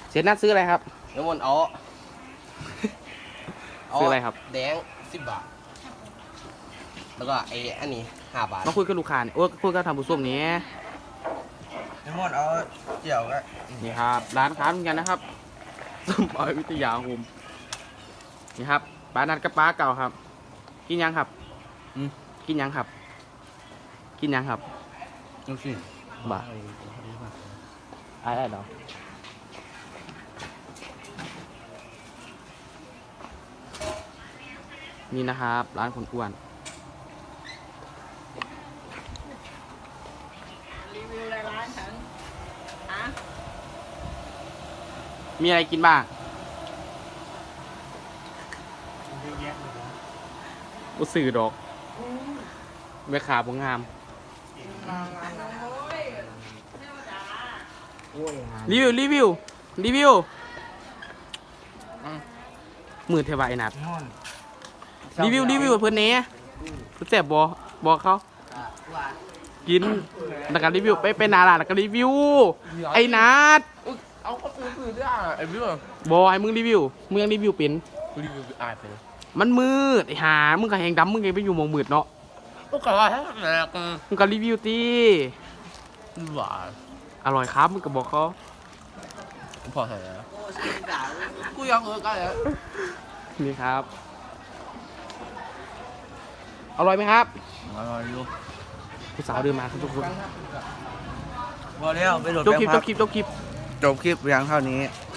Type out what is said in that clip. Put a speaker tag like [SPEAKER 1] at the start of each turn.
[SPEAKER 1] เสียนัดซื้ออะไรครับ
[SPEAKER 2] น้ำมันเอา
[SPEAKER 1] ซื้ออะไรครับ
[SPEAKER 2] แดง10 บาทแล้วก็อันนี้5 บาท
[SPEAKER 1] มาคุยกับลูกค้าเนี่ยโอ้ยคุยกับทางผู้ชมนี้
[SPEAKER 2] น้ำมันเอาเจียวก็
[SPEAKER 1] นี่ครับร้านค้าเหมือนกันนะครับสมอยวิทยาคมนี่ครับป้านัดกับป้าเก่าครับ กินยังครับกินยังครับ กินยังครับ
[SPEAKER 2] ลูกชิ้น
[SPEAKER 1] บ่าอะไรเหรอนี่นะครับร้านคนอ้วน
[SPEAKER 3] รีวิวอะไรร้านฉันฮะ
[SPEAKER 1] มีอะไรกินบ้างอุสื่อดอกแม่ขาบงาม รีวิวมือเทวายนัดรีวิวเพื่อนเนี้ยเพื่อนแสบบอกเขากินแล้วก็รีวิวไปนาลาแล้วก็รีวิวไอ้นัด
[SPEAKER 2] เอาก็ซื้อได้ไอ้พี่
[SPEAKER 1] บอให้มึงรีวิวมึงยังรีวิวเป็น
[SPEAKER 2] รีวิวอายไปเลย
[SPEAKER 1] มันมืดไอ้หามึงก็แหงดำมึงไงไปอยู่หมองมืดเนาะ
[SPEAKER 2] ก็กะว่าให้แหลก
[SPEAKER 1] มึงก็รีวิวตี
[SPEAKER 2] หวาน
[SPEAKER 1] อร่อยครับมึงก็บอกเขา
[SPEAKER 2] พอใส่แล้วกูอยากกันแล้ว
[SPEAKER 1] นี่ครับอร่อยไหมครับ
[SPEAKER 2] อร่อยอยู่
[SPEAKER 1] ผู้สาวเดินมาครับทุกคน
[SPEAKER 2] พอแล้วไปโหลด
[SPEAKER 1] จบ
[SPEAKER 2] แป้ง
[SPEAKER 1] คลิป
[SPEAKER 2] พั
[SPEAKER 1] จบคลิป
[SPEAKER 2] จบคลิปเพียงเท่านี้